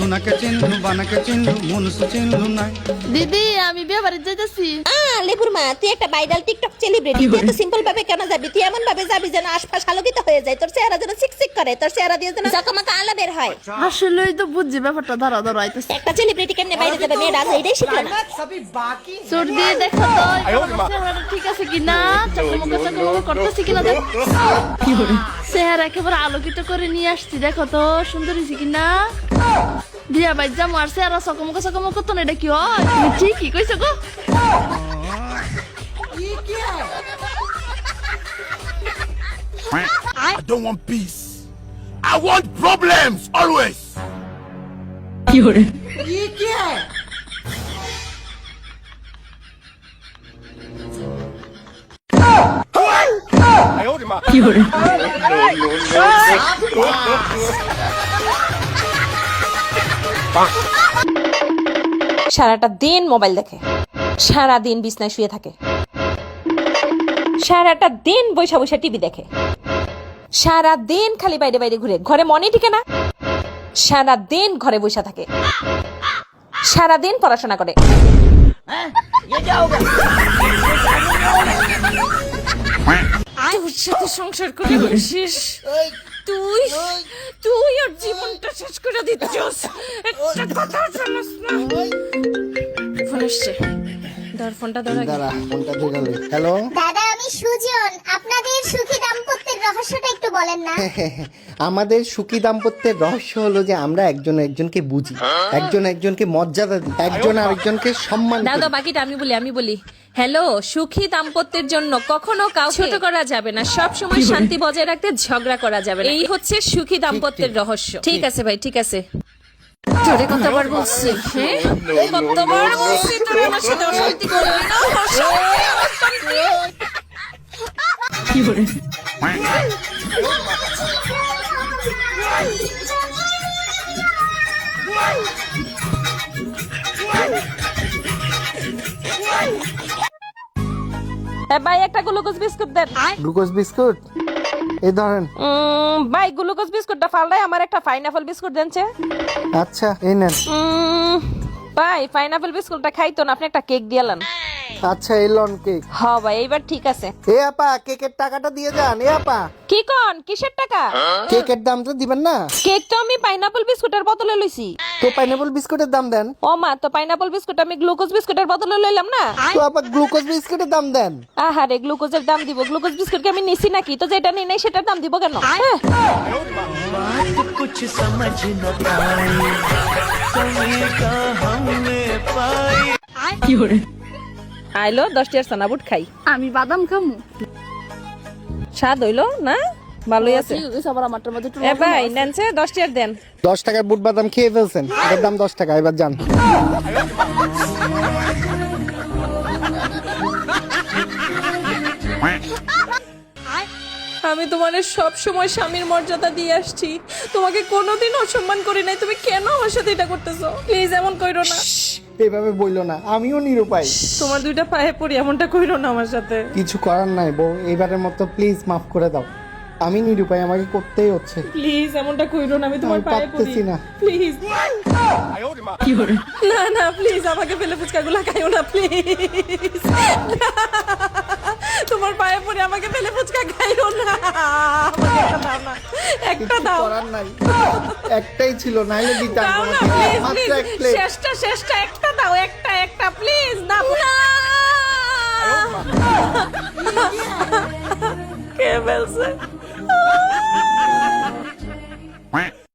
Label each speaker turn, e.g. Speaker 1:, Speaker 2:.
Speaker 1: সোনাকে চিনলু বানাকে চিনলু মনুষ্য চিনলু না।
Speaker 2: দিদি আমি বিয়ে বাড়ি যাইতেছি।
Speaker 3: লেবুর মা, তুই একটা ভাইরাল টিকটক সেলিব্রিটি, তুই এত সিম্পল ভাবে কেন যাবি? তুই এমন ভাবে যাবি যেন আশপাশ আলোকিত হয়ে যায়, তোর চেহারা যেন চিকচিক করে, তোর চেহারা দিয়ে যেন জকমকা আলো বের হয়।
Speaker 2: আসলেই তো বুঝছি ব্যাপারটা, ধরা ধরা আইতেছে।
Speaker 3: একটা সেলিব্রিটি কেমনে বাইরে যাবে, মেয়েরা আছে এটাই শিখলো না।
Speaker 2: চোর দিয়ে দেখো তো চেহারাটা ঠিক আছে কিনা, চকমকা চকমকা করতেছে কিনা দেখ। চেহারা একেবারে আলোকিত করে নিয়ে আসছি, দেখো তো সুন্দর হয়েছে কিনা। বিয়া বাড়ি যাবো আর চেহারা চকমকা চকমকা করতো না, এটা কি হয়? তুমি ঠিকই কইছো গো।
Speaker 4: I don't want peace. I want problems always.
Speaker 3: সারাটা দিন মোবাইল দেখে, সারা দিন বিছনায় শুয়ে থাকে, সারাটা দিন বৈশা বৈশা টিভি দেখে, সারা দিন খালি বাইরে বাইরে ঘুরে, ঘরে মনে টিকে না, সারা দিন ঘরে বৈশা থাকে, সারা দিন পড়াশোনা করে। তোর সাথে সংসার করে শেষ, তুই তুই ওর জীবনটা শেষ করে দিচ্ছিস। একটা কথা শুনছ না? ফোন আসছে, ধর ফোনটা ধর আগে।
Speaker 5: দাঁড়া, ফোনটা দিয়ে গেল। হ্যালো
Speaker 6: দাদা, আমি সুজন। আপনাদের সুখী দাম্পত্যের রহস্যটা একটু বলেন না।
Speaker 5: আমাদের সুখী দাম্পত্যের রহস্য হলো যে আমরা একজন একজনকে বুঝি, একজন একজনকে মর্যাদা দিই, একজন আরেকজনকে সম্মান করি।
Speaker 3: দাদা বাকিটা আমি বলি। হ্যালো, সুখী দাম্পত্যের জন্য কখনো কাউকে ছোট করা যাবে না, সব সময় শান্তি বজায় রাখতে ঝগড়া করা যাবে না, এই হচ্ছে সুখী দাম্পত্যের রহস্য। ঠিক আছে ভাই, ঠিক আছে। তোরে কতবার বলছি, হ্যাঁ কতবার বলছি তোর আমার সাথে অশান্তি করবি না, অশান্তি। ভাই একটা গ্লুকোজ বিস্কুট দেন।
Speaker 5: গ্লুকোজ বিস্কুট এই ধরেন।
Speaker 3: ভাই গ্লুকোজ বিস্কুটটা ফালদাই আমার একটা পাইনাপল বিস্কুট দেনছে।
Speaker 5: আচ্ছা এই নেন।
Speaker 3: ভাই পাইনাপল বিস্কুটটা খাইতো না, আপনি একটা কেক দিয়ালেন।
Speaker 5: আচ্ছা এই লন কেক।
Speaker 3: হ্যাঁ ভাই এইবার ঠিক আছে।
Speaker 5: এ আপা, কেকের টাকাটা দিয়ে যান। এ আপা,
Speaker 3: কি কোন কিসের টাকা?
Speaker 5: কেকের দামটা দিবেন না?
Speaker 3: কেক তো আমি পাইনাপল বিস্কুটের বদলে লইছি।
Speaker 5: তো পাইনাপল বিস্কুটের দাম দেন।
Speaker 3: ও মা, তো পাইনাপল বিস্কুট আমি গ্লুকোজ বিস্কুটের বদলে লইলাম না।
Speaker 5: তো আপা গ্লুকোজ বিস্কুটের দাম দেন।
Speaker 3: আহারে, গ্লুকোজের দাম দিব? গ্লুকোজ বিস্কুট কি আমি নিছি নাকি? তো যেটা নেই নাই সেটার দাম দিব কেন?
Speaker 7: कुछ समझ न पाई कमी का हमने पाई।
Speaker 3: আইলো 10 টাকার সানাবুট খাই।
Speaker 2: আমি বাদাম খামু।
Speaker 3: স্বাদ হইলো না? ভালোই আছে।
Speaker 2: আবার আমারটার মধ্যে একটু
Speaker 3: এ ভাই নেনছে 10 টাকার দেন।
Speaker 5: 10 টাকার বুট বাদাম খেয়ে ফেলছেন, এটার দাম 10 টাকা। এবার যান।
Speaker 3: আমি তোমার সব সময় স্বামীর মর্যাদা দিয়ে আসছি, তোমাকে কোনোদিন অসম্মান করি নাই, তুমি কেন আমার সাথে এটা করতেছো? প্লিজ এমন কইরো না।
Speaker 5: এভাবে বইলো না, আমিও নিরুপায়।
Speaker 3: তোমার দুইটা পায়ে পড়ি, এমনটা কইরো না আমার সাথে।
Speaker 5: কিছু করার নাই বউ, এবারের মতো প্লিজ মাফ করে দাও। আমি নিরুপায়, আমাকে করতেই হচ্ছে।
Speaker 3: প্লিজ এমনটা কইরো না, আমি তোমার
Speaker 5: আমি
Speaker 3: পায়ে পড়ি
Speaker 5: পারতেছি না।
Speaker 3: প্লিজ। না না প্লিজ, আমাকে ফেলে ফুচকাগুলো খাইও না প্লিজ। তোমার পায়ে পড়ে আমাকে ফেলে ফুচকা খাইও না, আমাকে একটা দাও না, একটা
Speaker 5: কিছু
Speaker 3: দাও।
Speaker 5: করার নাই, একটাই ছিল, নাইলে দিতাম
Speaker 3: দাও না
Speaker 5: তোমাকে।
Speaker 3: প্লিজ,
Speaker 5: মাত্র এক
Speaker 3: প্লিজ,
Speaker 5: প্লেট।
Speaker 3: শেষটা একটা দাও, একটা প্লিজ। না কে বলছে?